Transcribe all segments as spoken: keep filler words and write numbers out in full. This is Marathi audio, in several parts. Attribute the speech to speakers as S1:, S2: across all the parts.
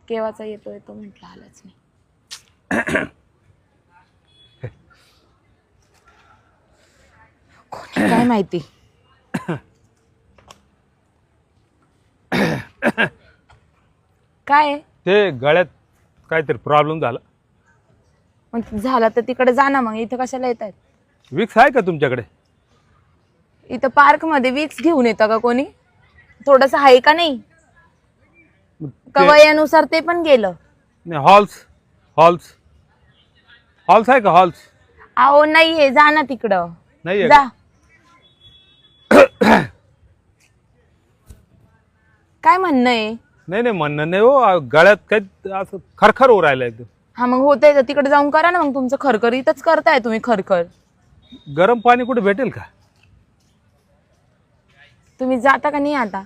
S1: केव्हाचा येतोय तो म्हटलं आलाच नाही. काय माहिती. काय
S2: ते गळ्यात काहीतरी प्रॉब्लेम झाला.
S1: मग झाला तर तिकडे जा ना, मग इथं कशाला येत आहेत?
S2: विक्स आहे का तुमच्याकडे?
S1: इथं पार्क मध्ये विक्स घेऊन येतं का कोणी? थोडस आहे का नाही? का वयानुसार ते पण गेलं?
S2: नाही, हॉल्स हॉल्स हॉल्स आहे का? हॉल्स
S1: अहो नाहीये, जा ना तिकडं.
S2: नाही
S1: जा. काय म्हणणं आहे?
S2: नाही नाही म्हणणं नाही हो, गळ्यात काही असं खरखर होऊ राहिलं एकदम.
S1: हा मग होतंय तर तिकडे जाऊन करा ना मग. तुमचं खरखर इथंच करताय तुम्ही खरखर.
S2: गरम पाणी कुठे भेटेल का?
S1: तुम्ही जाता का नाही आता?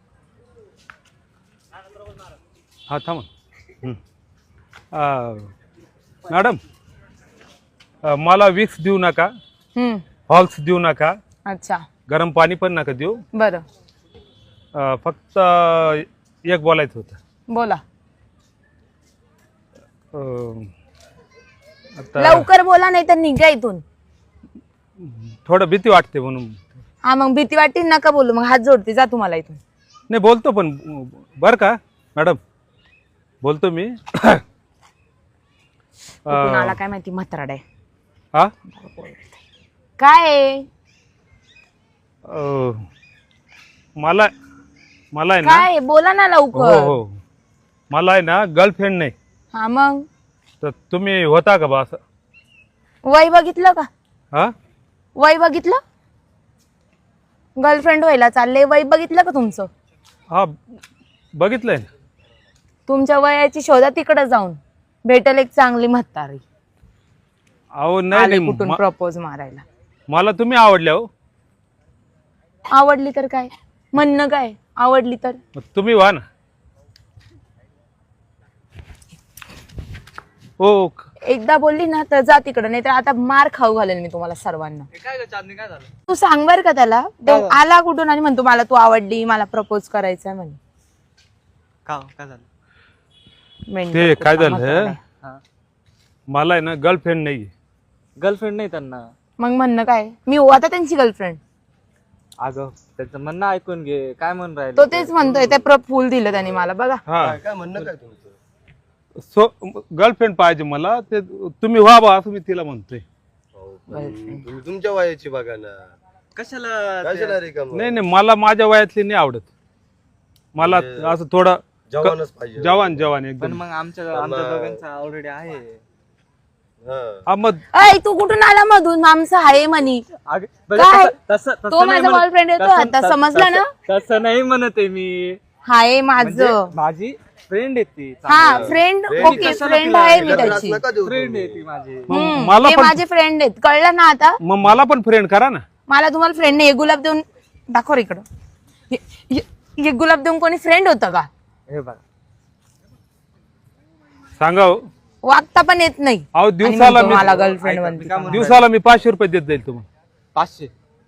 S2: हा थांबा. हं. आ, मॅडम अ, मला विक्स देऊ नका,
S1: हम्म.
S2: हॉल्स देऊ नका,
S1: अच्छा
S2: गरम पाणी पण नका देऊ.
S1: बरं
S2: अ, फक्त एक बोलायचं होतं.
S1: बोला.
S2: अ, आता
S1: लवकर बोला नाही तर निघा इथून.
S2: थोडं भीती वाटते म्हणून.
S1: हा मग भीती वाटते नका बोलू, मग हात जोडते, जा तुम्हाला इथून.
S2: नाही बोलतो पण बर का मॅडम, बोलतो मी.
S1: कुठून आला काय माहिती म्हातारडा आहे.
S2: हा
S1: काय आहे?
S2: अ, मला मला आहे ना,
S1: काय आहे? बोला ना
S2: हो
S1: लवकर.
S2: हो, मला आहे ना गर्लफ्रेंड नाही.
S1: हा मग
S2: तर तुम्ही होता का बा असं?
S1: वय बघितलं का?
S2: हा
S1: वय बघितलं? गर्लफ्रेंड व्हायला चालले, वय बघितलं का तुमचं?
S2: हा बघितलंय ना.
S1: तुमच्या वयाची शोधा तिकडे जाऊन, भेटेल एक चांगली म्हातारी.
S2: अहो नाही
S1: आले
S2: नाही,
S1: कुठून
S2: म-
S1: प्रपोज मारायला.
S2: मला तुम्ही आवडल्या हो.
S1: आवडली तर काय? म्हणणं काय? आवडली तर
S2: मग तुम्ही व्हा ना. हो
S1: एकदा बोलली ना तर जा तिकडे, नाही तर आता मार खाऊ घालेल मी तुम्हाला सर्वांना.
S3: काय चांदणी काय झालं?
S1: तू सांग बर का त्याला. तो आला कुठून आणि म्हणतो मला तू आवडली, मला प्रपोज करायचंय म्हणे.
S3: का काय झालं?
S1: मेंढक
S2: ते काय
S1: कुठला
S2: झालं,
S1: म्हातारा आहे.
S3: हा
S2: मला आहे ना गर्लफ्रेंड नाही.
S3: गर्लफ्रेंड नाही त्यांना.
S1: मग म्हणणं काय? मी हो आता त्यांची गर्लफ्रेंड.
S3: अगं त्याचं म्हणणं ऐकून घे, काय म्हणून राहिले
S1: तो तेच म्हणतोय, ते प्र फुल दिलं त्याने मला बघा.
S2: हा
S4: काय म्हणणं काय तुमचं?
S2: सो गर्लफ्रेंड पाहिजे मला. ते तुम्ही व्हा बा असं मी तिला म्हणतोय.
S4: हो, पण तुम्ही तुमच्या वयाची बघा ना.
S3: कशाला
S4: कशाला रिकाम?
S2: नाही नाही, मला माझ्या वयातली नाही आवडत. मला असं थोडं
S4: जवानच पाहिजे.
S2: जवान जवान
S3: पण
S2: एकदम.
S3: मग आमच्या आमच्या दोघांचा ऑलरेडी आहे.
S4: हा.
S2: हा मग
S1: अय तू कुठून आला मधून? आमचं आहे म्हणी.
S3: अगं, बरं,
S1: काय?
S3: तसं- तसं- तसं
S1: तो
S3: नाही
S1: माझा
S3: म्हणत-
S1: boyfriend येतो
S3: तसं-
S1: आता,
S3: तसं-
S1: समजलं ना?
S3: तसं- तसं नाही म्हणत आहे मी.
S1: हाय
S3: म्हणजे
S1: माझं.
S3: माझी फ्रेंड आहे ती.
S1: हा फ्रेंड. ओके फ्रेंड आहे मी
S4: त्रास
S1: त्याची.
S4: नका देऊ
S3: फ्रेंड
S4: तुम्ही.
S3: आहे ती माझी.
S2: मग
S1: हम्म,
S2: मला
S1: ते
S2: पण
S1: माझे फ्रेंड आहेत, कळलं ना आता?
S2: मग मला पण फ्रेंड करा ना.
S1: मला तुम्हाला फ्रेंड नाही. हे गुलाब देऊन दाखव रे इकडं. हे- हे- हे गुलाब देऊन कोणी फ्रेंड होतं का?
S3: हे बघा
S2: सांगा हो.
S1: वागता पण येत नाही.
S2: अहो
S1: आणि
S2: दिवसाला
S1: म्हणतो
S2: मी
S1: मला गर्लफ्रेंड
S3: ऐका,
S1: बनते.
S3: मी काय म्हणतो?
S2: दिवसाला मी पाचशे रुपये देत जाईल तुम्हाला.
S3: पाचशे.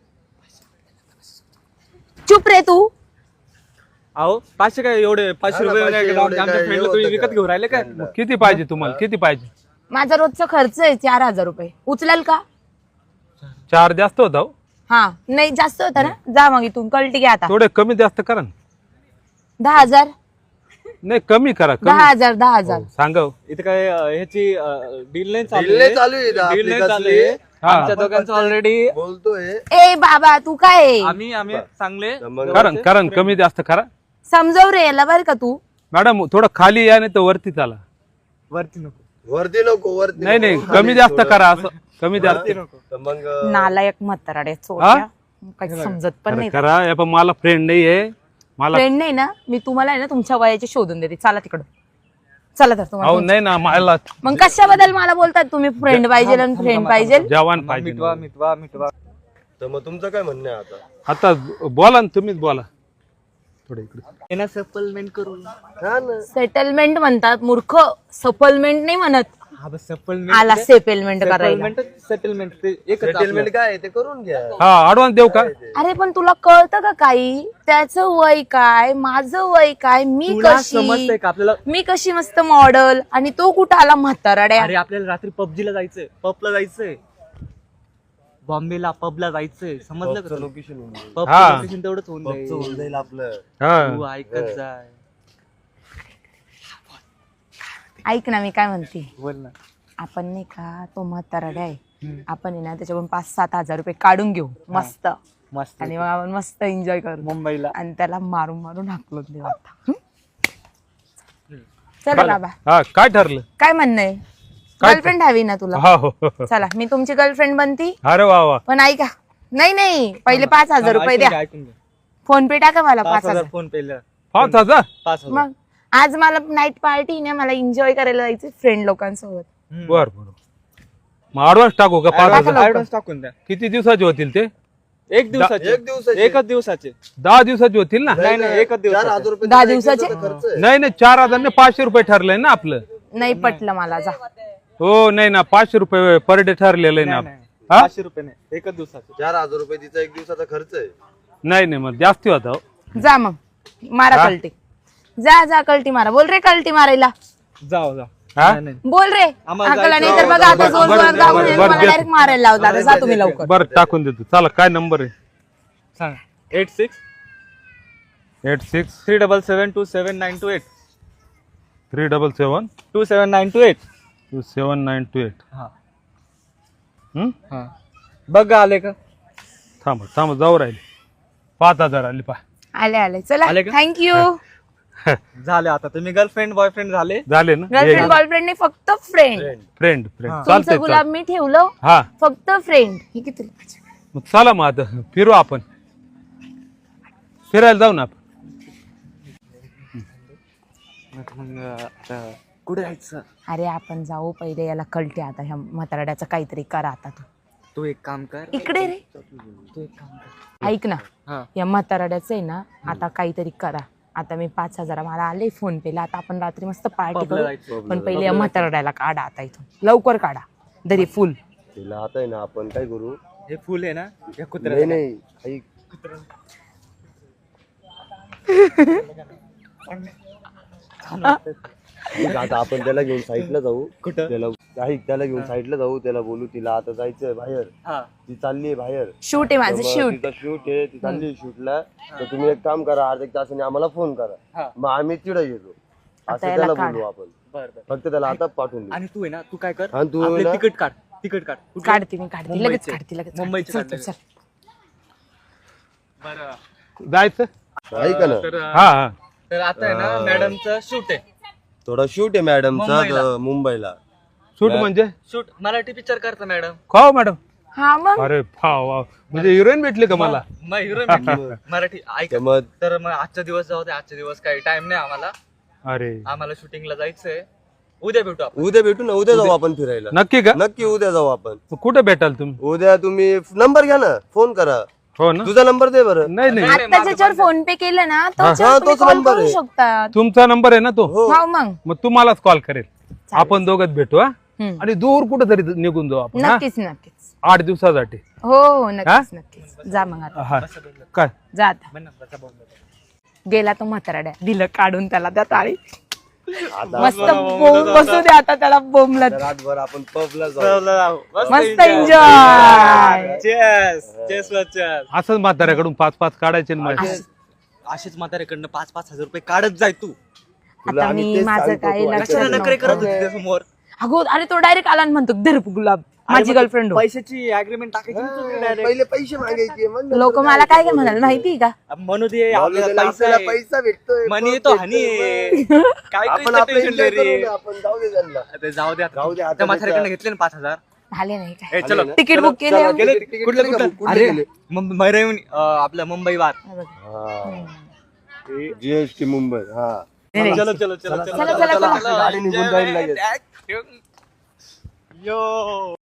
S1: चुप रे तू.
S3: अहो पाचशे काय एवढे पाचशे
S4: हा ना,
S3: रुपये
S4: पाचशे
S3: नाही का?
S4: एवढे
S3: आमच्या
S4: काय
S3: फ्रेंडला
S4: हे
S3: तुम्ही
S4: होतं
S3: विकत
S4: का?
S3: घेऊन राहिले काय?
S2: किती पाहिजे तुम्हाला? किती पाहिजे?
S1: माझा रोजचा खर्च आहे चार हजार रुपये. उचलेल का?
S2: चार जास्त होता हो.
S1: हा नाही जास्त होता ना. जा मग इथून, कळटी घ्या आता.
S2: थोडे कमी जास्त करा ना.
S1: दहा हजार.
S2: नाही कमी करा.
S1: दहा
S2: कमी
S1: हजार दहा हजार.
S2: हो, सांगा हो.
S3: इथं काय अं, ह्याची डील नाही चालू
S4: Deal नाही चालू आहे इथं,
S3: डील नाही
S4: आपली
S3: चालू
S4: कसली?
S3: आहे.
S2: हा.
S3: आमच्या दोघांचं ऑलरेडी
S4: बोलतोय.
S1: ए बाबा तू काय आहे?
S3: आम्ही आम्ही चांगले
S4: तर मग
S2: करा करा कमी जास्त करा.
S1: समजव रे याला बरं का तू.
S2: मॅडम थोडं खाली या नाही तर वरती चाला.
S3: वरती नको
S4: वरती नको वरती
S2: नाही
S4: नको.
S2: नाही
S4: खाली
S2: कमी जास्त
S4: थोडं.
S2: करा. असं कमी जास्त
S3: वरती नको.
S4: तर मग
S1: नालायक म्हाताराडे चोट्या. काही समजत पण नाही.
S2: करा. हे पण मला फ्रेंड नाहीये. मला
S1: फ्रेंड नाही ना. मी तुम्हाला आहे ना तुमच्या वयाचे शोधून देते. चला तिकडं. चला तर
S2: अहो
S1: तुम्हाला.
S2: नाही ना, मला
S1: मग कशाबद्दल मला बोलतात तुम्ही? फ्रेंड पाहिजे आणि फ्रेंड पाहिजे.
S2: जवान पाहिजे.
S3: मिटवा मिटवा मिटवा.
S4: तर मग तुमचं काय म्हणणं आहे आता?
S2: आता बोला ना, तुम्हीच बोला. थोडं इकडे
S3: येणं सप्लिमेंट करू.
S4: हा ना.
S1: सेटलमेंट म्हणतात मूर्ख. सपलमेंट नाही म्हणत.
S3: हा बस सेटलमेंट
S1: आला सेटलमेंट करायला.
S3: सेटलमेंट ते एकच
S4: सेटलमेंट काय आहे ते करून घ्या.
S2: हा ऍडव्हान्स देऊ का?
S1: अरे पण तुला कळतं का काही? त्याचं वय काय, माझं वय काय, मी
S3: तुला
S1: कशी,
S3: समजतंय का आपल्याला?
S1: मी कशी मस्त मॉडल आणि तो कुठं आला म्हातारड्या.
S3: अरे आपल्याला रात्री पबजीला जायचंय, पबला जायचंय, बॉम्बेला पबला जायचंय, समजलं का?
S4: लोकेशन
S3: पब
S2: हा.
S3: लोकेशन तेवढंच होऊन जाईल.
S4: होऊन जाईल आपलं.
S3: तू
S2: हा
S3: ऐकत जाय.
S1: ऐक ना मी काय म्हणते,
S3: बोल ना.
S1: आपण नाही का तो म्हातारड्या आहे, आपण आहे ना त्याच्याकडून पाच सात हजार रुपये काढून घेऊ मस्त,
S3: मस्त
S1: आणि मग आपण मस्त एन्जॉय करू
S3: मुंबईला.
S1: आणि त्याला मारून मारून हाकलून देऊ आता. हं? चला बाबा,
S2: हा काय ठरलं?
S1: काय म्हणणं आहे?
S2: काय-
S1: गर्लफ्रेंड हवी ना तुला?
S2: हा हो हो, हो.
S1: चला मी तुमची गर्लफ्रेंड बनती.
S2: अरे वा वा.
S1: पण ऐका, नाही नाही पहिले पाच हजार रुपये द्या,
S3: ऐकून घे.
S1: फोन पे टाका मला
S3: पाच
S1: पाच
S3: हजार
S1: हजार.
S3: फोन पेला.
S2: पाच हजार
S3: पाच हजार.
S1: मग आज मला नाईट पार्टी ना, मला एन्जॉय करायला जायचं फ्रेंड लोकांसोबत.
S3: हम्म.
S2: बर बर. मग ऍडव्हान्स टाकू का? पाच
S3: ऍडव्हान्स
S2: हजार
S1: लवकर.
S3: ऍडव्हान्स टाकून द्या.
S2: किती दिवसाचे होतील ते?
S3: एक दिवसाचे.
S4: एक दिवसाचे.
S3: एकच दिवसाचे.
S2: दहा दिवसाचे होतील ना?
S3: नाही नाही एकच
S4: चार
S3: दिवसाचे.
S4: हजार रुपये
S1: दहा
S4: दिले, एक
S1: दिवसाचे?
S4: दिवसाचा खर्च आहे.
S2: नाही नाही चार हजार नाही पाचशे रुपये ठरलंय ना आपलं.
S1: नाही पटलं मला, जा.
S2: हो नाही ना पाचशे रुपये पर डे ठरलेलं आहे ना.
S3: नाही, नाही.
S2: हा?
S3: पाचशे रुपये नाही, एकच दिवसाचे.
S4: चार हजार रुपये तिचा एक दिवसाचा खर्च आहे.
S2: नाही नाही मग जास्ती होता हो.
S1: जा मग मारा
S2: हा?
S1: कलटी, जा जा कलटी मारा. बोल रे कलटी मारायला,
S3: जाओ जाओ.
S2: हा?
S3: नाही, नाही.
S1: बोल रे.
S3: आम्हाला
S1: हाकला नाही तर
S3: जायचं.
S1: बघा आता
S2: बरं,
S1: जोर
S2: बरं,
S1: जोरात
S2: बरं,
S1: गावून
S2: बरं,
S1: मला
S2: बरं,
S1: डायरेक्ट मारायला लावला. आता जा तुम्ही लवकर.
S2: बरं टाकून देतो. चला काय नंबर आहे?
S3: सांग. Eight six
S2: eight six
S3: three double seven two seven nine two eight
S2: three double seven
S3: two seven nine two eight.
S2: Two seven nine two eight.
S3: हा
S2: हम्म
S3: हा. बघ आले का?
S2: थांब थांब जाऊ राहिले. पाच हजार आले पा
S1: आले आले, चला
S3: आले का?
S1: थँक्यू.
S3: झाले आता तुम्ही गर्लफ्रेंड बॉयफ्रेंड झाले.
S2: झाले ना?
S1: गर्लफ्रेंड बॉयफ्रेंड नाही, फक्त फ्रेंड.
S2: फ्रेंड फ्रेंड
S3: हा.
S2: चालतंय
S1: तुमचं गुलाब
S2: चालतंय.
S1: मी ठेवलं,
S2: हा
S1: फक्त फ्रेंड. हे किती?
S2: मग चला मग आता फिरू आपण, फिरायला जाऊ ना आपण.
S3: मग आता कुठे जायचं?
S1: अरे आपण जाऊ पहिले, याला कळते आता ह्या म्हातारड्याचं काहीतरी करा आता. तू
S3: तू एक काम कर.
S1: इकडे रे,
S3: तू एक काम कर.
S1: ऐक ना,
S3: हा.
S1: या म्हातारड्याचं आहे ना आता काहीतरी करा. आता मी पाच हजार मला आले फोन पेला. आता आपण रात्री मस्त पार्टी
S3: पबला
S1: करू,
S3: जायचं.
S1: पण पहिले या म्हातारड्याला काढा आता इथून, लवकर काढा. दरी फुल.
S4: तिला आता आहे ना आपण काय करू?
S3: हे फुल आहे ना, या
S4: नाही
S3: कुत्र्याचं
S4: नाही ऐक. ऐक, आता आपण त्याला घेऊन साईडला जाऊ.
S3: कुठं?
S4: त्याला ऐक, त्याला घेऊन साईडला जाऊ. त्याला बोलू तिला आता जायचंय बाहेर,
S3: हा.
S4: ती चालली आहे बाहेर.
S1: शूट आहे माझं, शूट.
S4: तिचा शूट आहे, ती चालली शूटला. तर तुम्ही एक काम करा, अर्धा एक तासाने आम्हाला फोन करा,
S3: हा.
S4: मग आम्ही तिकडे येतो.
S1: आता
S4: असं
S1: याला
S4: त्याला
S1: काढ.
S4: बोलू आपण.
S3: बर बर.
S4: फक्त त्याला आता पाठवून देऊ.
S3: आणि तू आहे ना, तू काय कर,
S4: आणि तू
S3: आपले
S4: ना-
S3: तिकीट काढ. तिकीट काढ. कुठलं?
S1: काढते मी, काढते लगेच,
S3: मुंबईचे.
S1: काढते लगेच,
S3: मुंबईचे
S1: काढते. चल,
S3: काढले.
S1: चल, चल.
S3: बरं.
S2: जायचं.
S4: ऐका ना,
S3: तर
S2: हा हा
S3: तर आता आहे ना मॅडमचं शूट आहे.
S4: थोडा शूट आहे मॅडमचा
S3: मुंबईला.
S4: तर मुंबईला.
S2: शूट म्हणजे
S3: शूट मराठी पिक्चर करता मॅडम.
S2: खाओ मॅडम.
S1: हा मग
S2: अरे वा वा, म्हणजे हिरोईन भेटली का मला?
S3: मग हिरो मराठी ऐक.
S4: तर मग
S3: तर मग आजचा दिवस जाऊ दे. आजच्या दिवस काही टाइम नाही आम्हाला.
S2: अरे
S3: आम्हाला शूटिंगला जायचंय. उद्या भेटू आपण.
S4: उद्या भेटू ना, उद्या जाऊ आपण फिरायला.
S2: नक्की का?
S4: नक्की उद्या जाऊ आपण.
S2: मग कुठे भेटाल तुम्ही?
S4: उद्या तुम्ही नंबर घ्या ना, फोन करा.
S2: हो ना?
S4: तुझा नंबर दे बरं.
S2: नाही नाही
S1: आता ज्याच्यावर फोन पे केलं ना,
S4: हा,
S1: तो
S4: तोच
S1: कॉल
S4: number
S1: करू
S4: आहे.
S1: शकतात.
S2: तुमचा नंबर आहे ना तो?
S4: हो.
S1: हो मग
S2: मग तुम्हालाच कॉल करेल. आपण दोघच भेटू हा,
S1: हम्म.
S2: आणि दूर कुठं तरी निघून जाऊ आपण हा?
S1: नक्कीच नक्कीच.
S2: आठ दिवसासाठी.
S1: हो हो नक्कीच नक्कीच. जा मग आता,
S2: हा काय?
S1: जा आता.
S3: म्हण ना, बसा बोंबलं.
S1: गेला तो म्हातारड्या, दिलं काढून त्याला त्या ताळी.
S4: आता
S1: मस्त बोंब बसू दे आता त्याला बोंबला.
S4: रातभर आपण पबला जाऊ.
S3: चला जाऊ.
S1: मस्त एन्जॉय.
S3: Cheers. Cheers ला cheers.
S2: असंच म्हाताऱ्याकडून पाच पाच काढायचे ना माझे.
S3: असेच म्हाताऱ्याकडनं पाच पाच हजार रुपये काढत जाय तू.
S4: तुला
S1: आता
S4: आम्ही
S1: मी
S4: तेच
S1: माझं
S4: सांगतो,
S1: काही
S4: तू
S1: लक्षात
S3: कशाला नखरे करत
S1: नव्हतं.
S3: होती त्यासमोर?
S1: अगो अरे तो डायरेक्ट आला आणि म्हणतो धर गुलाब, माझी गर्लफ्रेंड हो.
S3: पैशाची अग्रीमेंट टाकायची ना तुझी direct.
S4: पहिले पैसे मागायचे मग नंतर
S1: लोक मला काय काय म्हणाल माहिती का?
S3: म्हणू दे
S4: आपल्याला
S3: आपल्याला पैसा
S4: आपल्याला
S3: आहे.
S4: पैसा भेटतोय.
S3: मनी
S4: पब
S3: येतो
S4: भेटतोय,
S3: हानी आहे.
S4: मग.
S3: काय
S4: आपण
S3: काय
S4: आपलं
S3: टेन्शन
S4: enjoy
S3: रे.
S4: करू ना, आपण जाऊ दे त्यांना.
S3: ते जाऊ दे
S4: जाऊ दे
S3: आता.
S4: आता
S3: त्या म्हाताऱ्याकडनं
S4: त्याचा-
S3: घेतले ना पाच हजार.
S1: झाले नाही काय?
S3: ए, चलो
S4: ना?
S1: तिकीट बुक केले
S4: चला,
S1: आम्ही.
S3: गेले
S4: तिकीट
S3: कुठलं
S4: केले का?
S3: कुठलं?
S4: कुठले
S3: अरे
S4: गेले?
S3: मुं- मैरवणी, अं, आपलं मुंबई वार.
S4: जीएसटी मुंबई. हा
S1: नाही, नाही.
S3: चलो चलो चलो
S1: चला, चला, चला.
S4: गाडी निघून जाईल लगेच.
S3: यो